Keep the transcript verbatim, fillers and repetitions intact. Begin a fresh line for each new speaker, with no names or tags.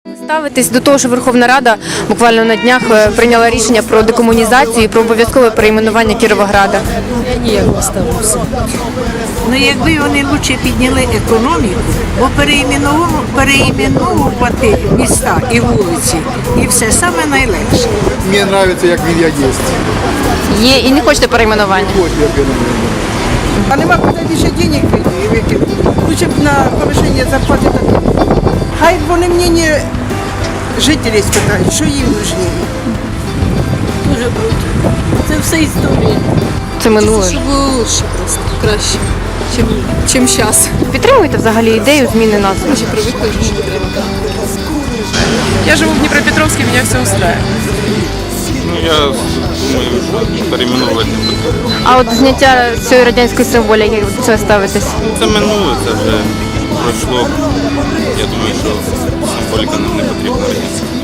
Ставитись до того, що Верховна Рада буквально на днях е, прийняла рішення про декомунізацію і про обов'язкове перейменування Кіровограда.
Я ніяк не ставлюся.
Ну, якби вони краще підняли економіку, бо переіменову- переіменовувати міста і вулиці, і все саме найлегше.
Мне нравится, як він як є.
Є і не хочете перейменування.
Ось як він.
А нема куди більше денег викинути. Лучше б на повищення зарплати так. Хай вони мнення жителів спитають, що їм нужніше.
Дуже круто. Це все історія.
Це минуле.
Щоб було краще просто, краще, чим, чим зараз.
Підтримуєте взагалі ідею зміни назви?
Вже привикли, що не треба.
Я живу в Днепропетровске, меня все устраивает.
Ну, я думаю, що перейменувати не потрібно.
А от зняття цієї радянської символіки, як ви до цього ставитесь?
Це минуле, це вже пройшло. Я думаю, що символіка нам не потрібна радянська.